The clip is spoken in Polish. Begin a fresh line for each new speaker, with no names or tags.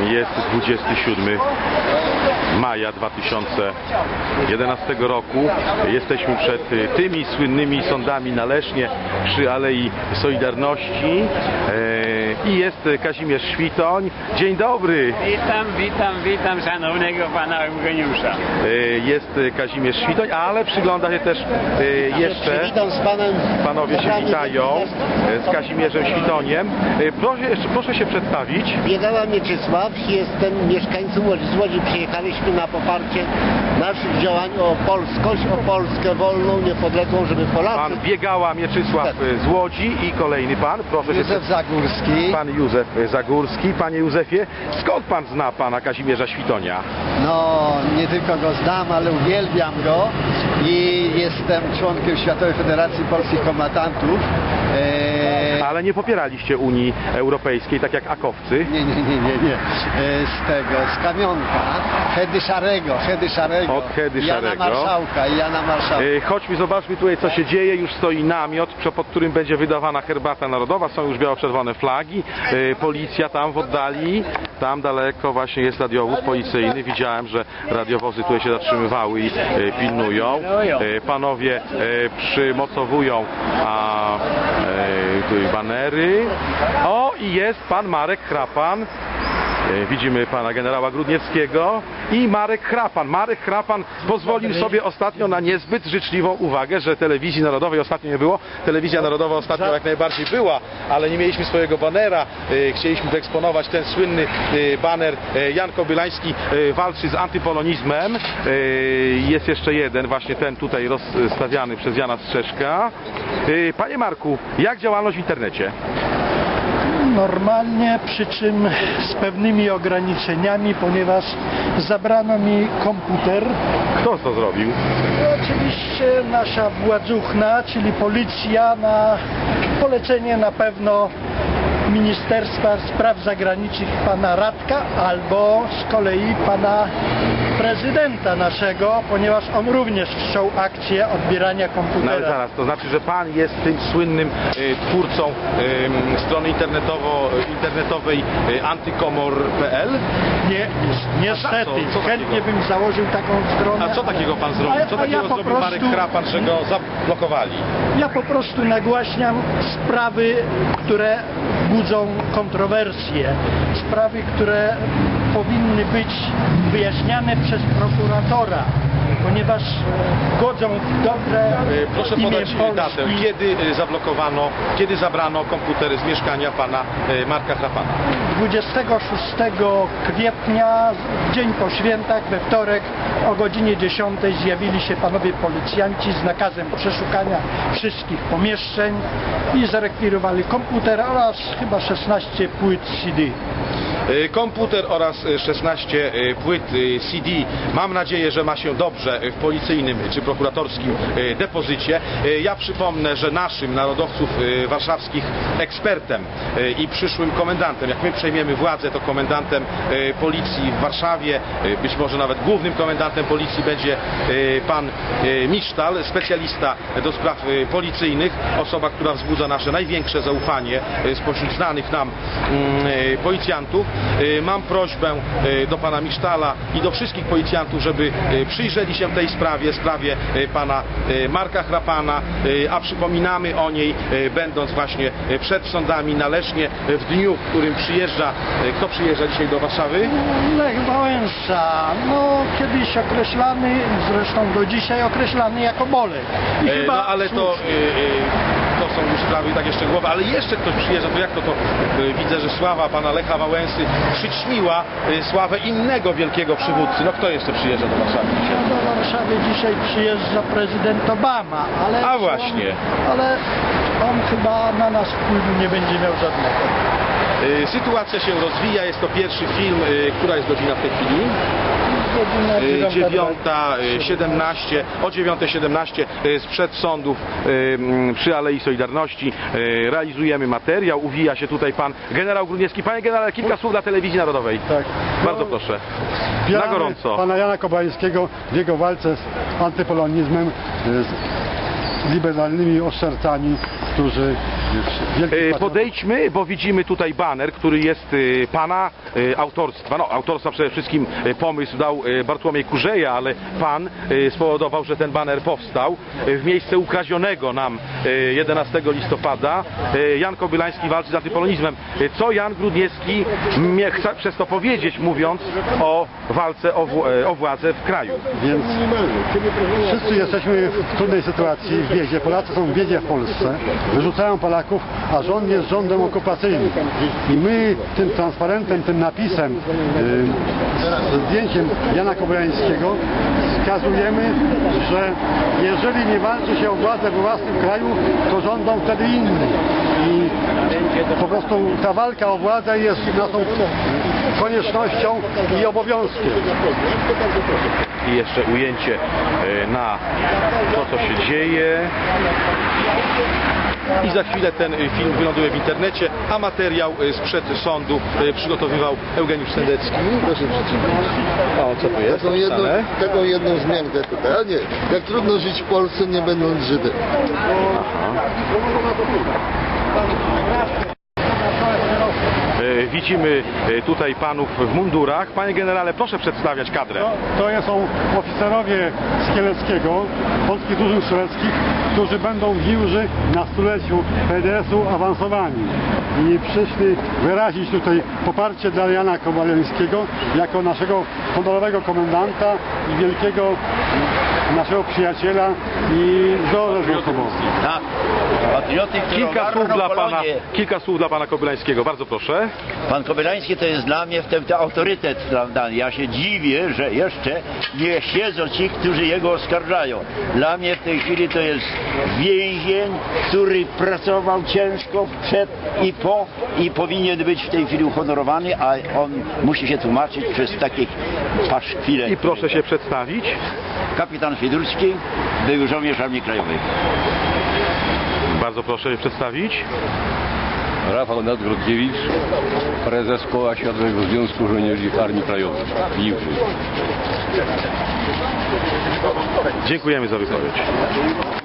Jest 27 maja 2011 roku. Jesteśmy przed tymi słynnymi sądami na Lesznie przy Alei Solidarności i jest Kazimierz Świtoń. Dzień dobry.
Witam szanownego pana Eugeniusza.
Jest Kazimierz Świtoń, ale przygląda się też jeszcze...
Witam z panem.
Panowie się witają z Kazimierzem Świtoniem. Proszę się przedstawić.
Biegała Mieczysław, jestem mieszkańcą Łodzi. Z Łodzi przyjechaliśmy na poparcie naszych działań o polskość, o Polskę wolną, niepodległą, żeby Polacy...
Pan Biegała Mieczysław z Łodzi i kolejny pan. Proszę
Józef Zagórski.
Pan Józef Zagórski. Panie Józefie, skąd pan zna pana Kazimierza Świtonia?
No, nie tylko go znam, ale uwielbiam go i jestem członkiem Światowej Federacji Polskich Kombatantów.
Ale nie popieraliście Unii Europejskiej, tak jak akowcy?
Nie. Z Kamionka, Hedy Szarego.
Od Hedy Szarego.
Jana Marszałka.
Chodźmy, zobaczmy tutaj, co się dzieje. Już stoi namiot, pod którym będzie wydawana herbata narodowa. Są już biało-czerwone flagi. Policja tam w oddali. Tam daleko właśnie jest radiowóz policyjny. Widziałem, że radiowozy tutaj się zatrzymywały i pilnują. Panowie przymocowują tutaj banery. O, i jest pan Marek Chrapan. Widzimy pana generała Grudniewskiego i Marek Chrapan. Marek Chrapan pozwolił sobie ostatnio na niezbyt życzliwą uwagę, że telewizji narodowej ostatnio nie było. Telewizja narodowa ostatnio jak najbardziej była, ale nie mieliśmy swojego banera. Chcieliśmy wyeksponować ten słynny baner. Jan Kobylański walczy z antypolonizmem. Jest jeszcze jeden, właśnie ten tutaj rozstawiany przez Jana Strzeszka. Panie Marku, jak działalność w internecie?
Normalnie, przy czym z pewnymi ograniczeniami, ponieważ zabrano mi komputer.
Kto to zrobił?
Oczywiście nasza władzuchna, czyli policja, na polecenie na pewno Ministerstwa Spraw Zagranicznych pana Radka albo z kolei pana prezydenta naszego, ponieważ on również wszczął akcję odbierania komputera.
No ale zaraz, to znaczy, że pan jest tym słynnym twórcą strony internetowej antykomor.pl?
Nie, niestety.
Co
Chętnie
takiego?
bym założył taką stronę.
A co takiego pan zrobił? Co takiego zrobił Marek Chrapan, że go zablokowali?
Ja po prostu nagłaśniam sprawy, które budzą kontrowersje. Sprawy, które powinny być wyjaśniane przez prokuratora, ponieważ godzą w dobre
Proszę
imię
podać
Polski.
datę, kiedy zabrano komputery z mieszkania pana Marka Chrapana?
26 kwietnia, dzień po świętach, we wtorek o godzinie 10 zjawili się panowie policjanci z nakazem przeszukania wszystkich pomieszczeń i zarekwirowali komputer oraz chyba 16 płyt CD.
Komputer oraz 16 płyt CD. Mam nadzieję, że ma się dobrze w policyjnym czy prokuratorskim depozycie. Ja przypomnę, że naszym narodowców warszawskich ekspertem i przyszłym komendantem, jak my przejmiemy władzę, to komendantem policji w Warszawie, być może nawet głównym komendantem policji będzie pan Misztal, specjalista do spraw policyjnych, osoba, która wzbudza nasze największe zaufanie spośród znanych nam policjantów. Mam prośbę do pana Misztala i do wszystkich policjantów, żeby przyjrzeli się tej sprawie pana Marka Chrapana, a przypominamy o niej, będąc właśnie przed sądami na Lesznie, w dniu, w którym przyjeżdża, kto przyjeżdża dzisiaj do Warszawy?
Lech Wałęsa, kiedyś określany, zresztą do dzisiaj określany jako Bolek. I chyba
No ale to są już sprawy takie szczegółowe, ale jeszcze ktoś przyjeżdża, to jak to widzę, że sława pana Lecha Wałęsy przyćmiła sławę innego wielkiego przywódcy. No kto jeszcze przyjeżdża do Warszawy dzisiaj?
do Warszawy dzisiaj przyjeżdża prezydent Obama, ale...
A właśnie.
Ale on chyba na nas wpływu nie będzie miał żadnego.
Sytuacja się rozwija, jest to pierwszy film. Która jest godzina w tej chwili?
Godzina
9:17, o 9:17 sprzed sądów przy Alei Solidarności realizujemy materiał. Uwija się tutaj pan generał Grudniewski. Panie generale, kilka słów dla Telewizji Narodowej.
Tak.
Bardzo proszę. Na gorąco.
Pana Jana Kobylańskiego w jego walce z antypolonizmem, z liberalnymi oszczercami, którzy wielkich
Podejdźmy, bo widzimy tutaj baner, który jest pana autorstwa. No, autorstwa przede wszystkim pomysł dał Bartłomiej Kurzeja, ale pan spowodował, że ten baner powstał w miejsce ukradzionego nam 11 listopada. Jan Kobylański walczy z antypolonizmem. Co Jan Grudniewski chce przez to powiedzieć, mówiąc o walce o władzę w kraju?
Więc wszyscy jesteśmy w trudnej sytuacji w biedzie. Polacy są w biedzie w Polsce. Wyrzucają Polaków, a rząd jest rządem okupacyjnym. I my tym transparentem, tym napisem, z zdjęciem Jana Kobylańskiego wskazujemy, że jeżeli nie walczy się o władzę we własnym kraju, to rządzą wtedy inni. I po prostu ta walka o władzę jest naszą koniecznością i obowiązkiem.
I jeszcze ujęcie na to, co się dzieje. I za chwilę ten film wyląduje w internecie, a materiał sprzed sądu przygotowywał Eugeniusz Sendecki.
Proszę przeczytać.
O, co tu jest?
Taką jedną wzmiankę tutaj. A nie, jak trudno żyć w Polsce, nie będąc Żydem.
Widzimy tutaj panów w mundurach. Panie generale, proszę przedstawiać kadrę.
To są oficerowie z Kieleckiego, polskich drużyn strzeleckich, którzy będą w Giłży na stuleciu PDS-u awansowani. I przyszli wyrazić tutaj poparcie dla Jana Kobylańskiego jako naszego honorowego komendanta i wielkiego naszego przyjaciela i wzorę osobową.
Tak. Patrioty,
Kilka słów dla pana Kobylańskiego, bardzo proszę.
Pan Kobylański to jest dla mnie ten autorytet, prawda? Ja się dziwię, że jeszcze nie siedzą ci, którzy jego oskarżają. Dla mnie w tej chwili to jest więzień, który pracował ciężko przed i po i powinien być w tej chwili uhonorowany, a on musi się tłumaczyć przez takie paszkwile.
I proszę się przedstawić.
Kapitan Fidurski, był żołnierz Armii Krajowej.
Bardzo proszę się przedstawić.
Rafał Nadgrodkiewicz, prezes Koła Światowego Związku Żołnierzy Armii Krajowej.
Dziękujemy za wypowiedź.